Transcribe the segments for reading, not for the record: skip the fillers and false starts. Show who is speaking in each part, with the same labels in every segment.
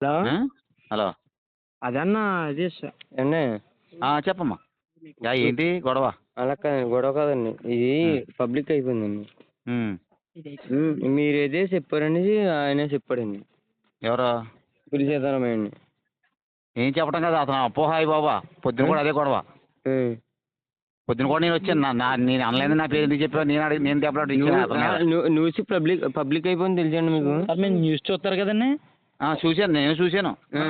Speaker 1: Hello
Speaker 2: hello
Speaker 1: అదన్నా ఇది అండి
Speaker 2: చెప్పమ్మా ఏంటి గొడవ?
Speaker 1: అలా కాదండి, గొడవ కాదండి, ఇది పబ్లిక్ అయిపోయిందండి. మీరు ఏదే చెప్పారనేది ఆయనే చెప్పాడండి.
Speaker 2: ఎవరు?
Speaker 1: పులి సీతారామయ్య అండి.
Speaker 2: ఏం చెప్పడం కదా అతను అపోహాయి బాబా. పొద్దున కూడా అదే గొడవ. పొద్దున కూడా నేను వచ్చాను. నేను అనలేదు, నా పేరు ఎందుకు చెప్పావు? నేను దెబ్బలాడు
Speaker 1: న్యూస్ పబ్లిక్ అయిపోయింది తెలుసండి మీకు?
Speaker 3: మీరు న్యూస్ చూస్తారు కదండి.
Speaker 2: చూశాను, నేను చూశాను.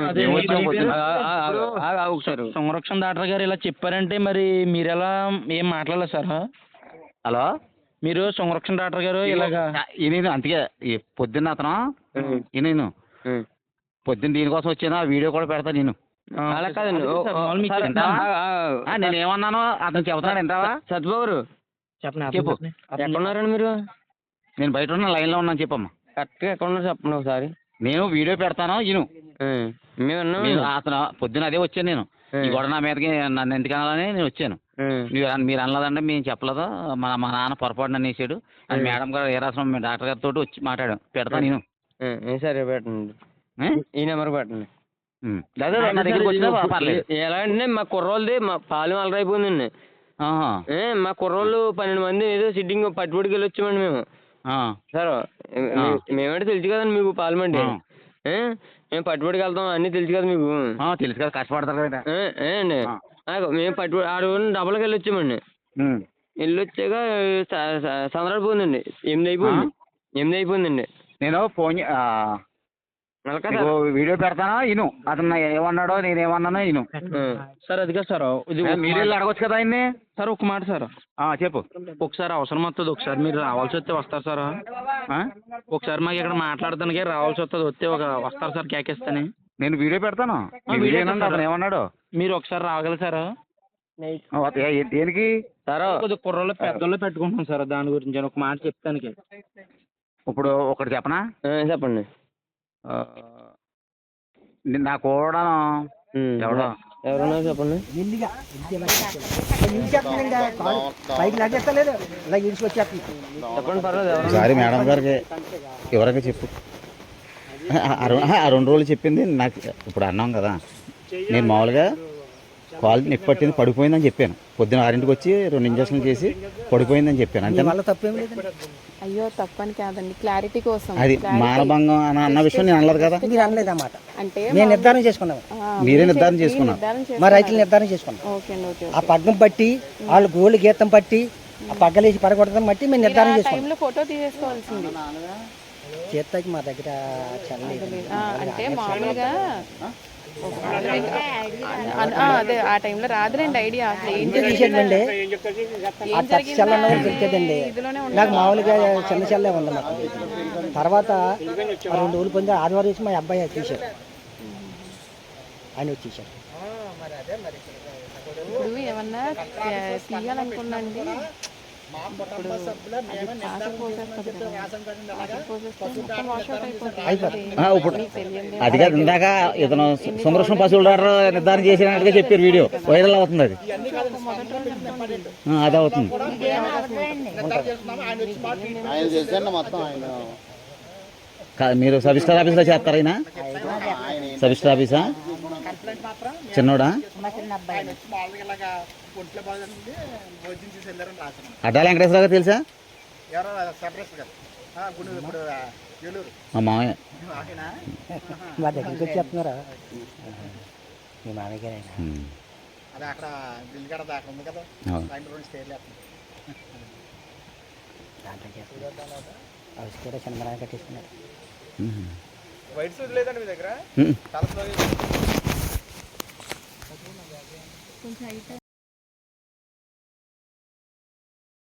Speaker 3: సంరక్షణ డాక్టర్ గారు ఇలా చెప్పారంటే మరి మీరు ఎలా ఏం మాట్లాడలేదు సార్?
Speaker 2: హలో,
Speaker 3: మీరు సంరక్షణ డాక్టర్ గారు ఇలాగా
Speaker 2: నేను అందుకే పొద్దున్న అతను నేను పొద్దున్న దీనికోసం వచ్చాను. ఆ వీడియో కూడా పెడతా నేను.
Speaker 1: అలా కాదండి,
Speaker 2: నేనేమన్నాను అతను చెబుతున్నాడు వింటావా?
Speaker 1: సత్యబాబు చెప్పు, ఎక్కడున్నారండి మీరు?
Speaker 2: నేను బయట ఉన్న లైన్లో ఉన్నాను. చెప్పమ్మా
Speaker 1: కరెక్ట్గా ఎక్కడ ఉన్నారు చెప్పండి ఒకసారి.
Speaker 2: నేను వీడియో పెడతాను ఇను.
Speaker 1: మేము
Speaker 2: అతను పొద్దున అదే వచ్చాను. నేను ఈ గొడవ నా మీదకి నన్ను ఎందుకు అనాలని నేను వచ్చాను. మీరు అనలేదంటే మేము చెప్పలేదు, మా నాన్న పొరపాటున అనేసాడు అని మేడం గారు ఏరాసం డాక్టర్ గారితో వచ్చి మాట్లాడాం. పెడతాను నేను.
Speaker 1: సరే పెట్టండి, ఈ నెంబర్ పెట్టండి.
Speaker 2: నా దగ్గరికి వచ్చినా పర్లేదు.
Speaker 1: ఎలా అంటే మా కుర్రోళ్ళది మా పాలెం అలరైపోయిందండి. మా కుర్రోళ్ళు 12 మంది ఏదో సిట్టింగ్ పట్టుబడికి వెళ్ళి వచ్చామండి మేము. సార్ మేమంటే తెలుసు కదండి మీకు పార్లమెంట్. మేము పట్టుబడికి వెళ్తాం అన్నీ తెలుసు కదా మీకు.
Speaker 2: తెలుసు కదా, కష్టపడతారు కదా
Speaker 1: అండి. మేము పట్టుబడి ఆడు డబ్బులకి వెళ్ళి వచ్చామండి. వెళ్ళి వచ్చాక సందడిపోయిందండి. 8 అయిపోయిందండి.
Speaker 2: నేను ఫోన్ వీడియో పెడతానా ఇను. అతను ఏమన్నాడో నేనేమన్నానో ఇను.
Speaker 3: సార్ అది కాదు సార్, ఇది
Speaker 2: మీరు అడగొచ్చు కదా ఆయన్ని.
Speaker 3: సార్ ఒక మాట సార్.
Speaker 2: చెప్పు.
Speaker 3: ఒకసారి అవసరం వస్తుంది, ఒకసారి మీరు రావాల్సి వస్తే వస్తారు సార్. ఒకసారి మాకు ఇక్కడ మాట్లాడటానికి రావాల్సి వస్తుంది, వస్తారు సార్ కేకేస్తాని.
Speaker 2: నేను వీడియో పెడతాను. అతను ఏమన్నాడు
Speaker 3: మీరు ఒకసారి రాగలరు సార్?
Speaker 2: దేనికి
Speaker 3: సార్? కొద్దిగా కుర్రోళ్ళు పెద్దోళ్ళు పెట్టుకుంటున్నాం సార్, దాని గురించి ఒక మాట చెప్తానికి.
Speaker 2: ఇప్పుడు ఒకటి చెప్పనా?
Speaker 1: చెప్పండి.
Speaker 2: నా కూడా
Speaker 1: ఎవరన్నా చెప్పండి. చెప్పండి పర్లేదు.
Speaker 2: ఒకసారి మేడం గారికి ఎవరికి చెప్పు. ఆ 2 రోజులు చెప్పింది నాకు. ఇప్పుడు అన్నాం కదా, నేను మామూలుగా కాల్ నొప్పి పట్టింది, పడిపోయిందని చెప్పాను. పొద్దున 6ంటికి వచ్చి 2 ఇంజక్షన్లు చేసి పడిపోయిందని చెప్పాను. అంటే
Speaker 4: అయ్యో తప్పని కాదండి, క్లారిటీ కోసం.
Speaker 2: అది మానభంగం అన్న విషయం నేను అనలేదు కదా.
Speaker 5: మీరు అనలేదు అన్నమాట.
Speaker 4: అంటే
Speaker 5: నేను నిర్ధారణ చేసుకున్నాను.
Speaker 2: మీరే నిర్ధారణ చేసుకున్నారు.
Speaker 5: మా రైతులు నిర్ధారణ చేసుకున్నాం. ఆ పగ్గం పట్టి వాళ్ళు గోళ్ళు గీతం పట్టి ఆ పగ్గలేసి పడగొట్టడం బట్టి మేము నిర్ధారణ చేసుకున్నాం.
Speaker 4: ఫోటో తీసేసుకోవాల్సింది.
Speaker 5: చేస్తాకి మా దగ్గర చల్లలేదు.
Speaker 4: అంటే మామూలుగా అదే ఆ టైంలో రాదులేండి ఐడియా. అసలు ఏం
Speaker 5: తీసేదండి, ఆ టచ్ చెల్ల తెలిసేదండి. నాకు మామూలుగా చిన్న చెల్లే ఉంది మాకు. తర్వాత 2 రోజులు పొంది ఆదివారం వచ్చి మా అబ్బాయి తీశారు, ఆయన వచ్చేసారు.
Speaker 4: ఇప్పుడు ఏమన్నా తీయాలనుకున్నాండి, ఇప్పుడు
Speaker 2: అది కాదు, ఇందాక ఇతను సంరక్షణ పశువుల నిర్ధారణ చేసినట్టుగా చెప్పారు. వీడియో వైరల్ అవుతుంది. అది అవుతుంది. మీరు సబ్ రిజిస్టర్ ఆఫీస్లో చేస్తారా? అయినా సబ్ రిజిస్టర్ ఆఫీసా? చిన్నోడా? అడ్డా వెంకటేశ్వర గారు తెలుసా? మా మామయ్య.
Speaker 5: మా దగ్గరికి వచ్చి చెప్తున్నారా మీ మామయ్య? అవి కూడా చిన్నమరాన్ని కట్టేసుకున్నారు.
Speaker 1: వైట్స్ లేదండి మీ దగ్గర?